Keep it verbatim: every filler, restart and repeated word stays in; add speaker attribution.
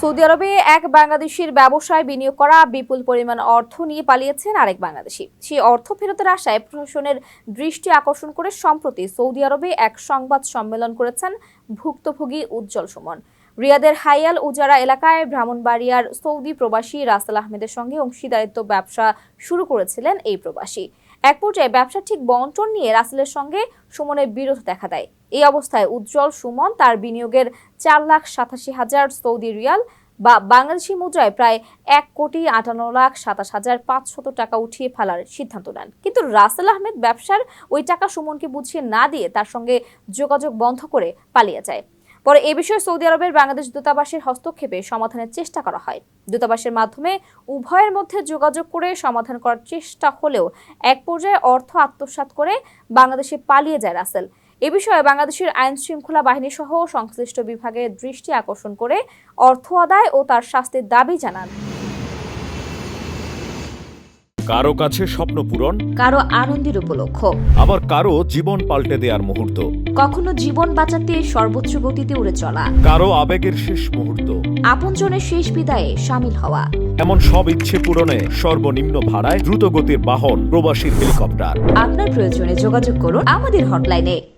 Speaker 1: Saudi আরবে এক বাংলাদেশির ব্যবসায় বিনিয়োগ করা বিপুল পরিমাণ অর্থ নিয়ে পালিয়েছেন আরেক বাংলাদেশি। সেই অর্থ ফেরতের আশায় প্রশাসনের দৃষ্টি আকর্ষণ করে সম্প্রতি সৌদি আরবে এক সংবাদ সম্মেলন করেছেন ভুক্তভোগী উজ্জ্বল সুমন। রিয়াদের হাইয়াল উজারা এলাকায় ব্রাহ্মণবাড়িয়ার সৌদি প্রবাসী রাসেল আহমেদের সঙ্গে অংশীদারিত্ব ব্যবসা শুরু করেছিলেন এই প্রবাসী। এক পর্যায়ে ব্যবসা ঠিক বন্টন নিয়ে রাসেলের সঙ্গে সুমনের বিরোধ দেখা দেয়। এই অবস্থায় উজ্জ্বল সুমন তার বিনিয়োগের চার লাখ সাতাশি হাজার সৌদি রিয়াল বা বাংলাদেশি মুদ্রায় প্রায় এক কোটি আটান্ন লাখ সাতাশ হাজার পাঁচশত টাকা উঠিয়ে ফেলার সিদ্ধান্ত নেন। কিন্তু রাসেল আহমেদ ব্যবসার ওই টাকা সুমনকে বুঝিয়ে না দিয়ে তার সঙ্গে যোগাযোগ বন্ধ করে পালিয়ে যায়। পরে এ বিষয়ে সৌদি আরবের বাংলাদেশ দূতাবাসের হস্তক্ষেপে সমাধানের চেষ্টা করা হয়। দূতাবাসের মাধ্যমে উভয়ের মধ্যে যোগাযোগ করে সমাধান করার চেষ্টা হলেও এক পর্যায়ে অর্থ আত্মসাৎ করে বাংলাদেশে পালিয়ে যায় রাসেল। এ বিষয়ে বাংলাদেশের আইন শৃঙ্খলা বাহিনী সহ সংশ্লিষ্ট বিভাগের দৃষ্টি আকর্ষণ করে অর্থ আদায় ও তার শাস্তির দাবি জানান।
Speaker 2: কারো কাছে স্বপ্ন পূরণ,
Speaker 1: কারো আনন্দের উপলক্ষ,
Speaker 2: আবার কারো জীবন পাল্টে দেওয়ার মুহূর্ত,
Speaker 1: কখনো জীবন বাঁচাতে সর্বোচ্চ গতিতে উড়ে চলা,
Speaker 2: কারো আবেগের শেষ মুহূর্ত,
Speaker 1: আপনজনের শেষ বিদায়ে শামিল হওয়া।
Speaker 2: এমন সব ইচ্ছে পূরণে সর্বনিম্ন ভাড়ায় দ্রুতগতির বাহন প্রবাসীর হেলিকপ্টার।
Speaker 1: আপনার প্রয়োজনে যোগাযোগ করুন আমাদের হটলাইনে।